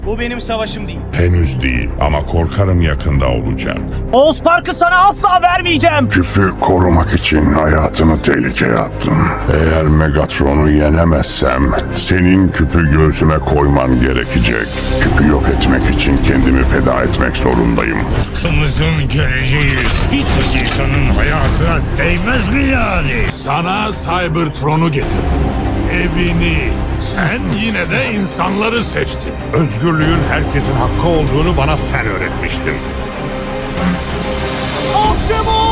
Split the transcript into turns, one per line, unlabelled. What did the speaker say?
Bu benim savaşım değil.
Henüz değil ama korkarım yakında olacak.
Oğuz Park'ı sana asla vermeyeceğim.
Küpü korumak için hayatını tehlikeye attım. Eğer Megatron'u yenemezsem senin küpü göğsüme koyman gerekecek. Küpü yok etmek için kendimi feda etmek zorundayım.
Halkımızın geleceği bir tek insanın hayatına değmez mi yani?
Sana Cybertron'u getirdim. Evini. Sen yine de insanları seçtin. Özgürlüğün herkesin hakkı olduğunu bana sen öğretmiştin.
Optimus!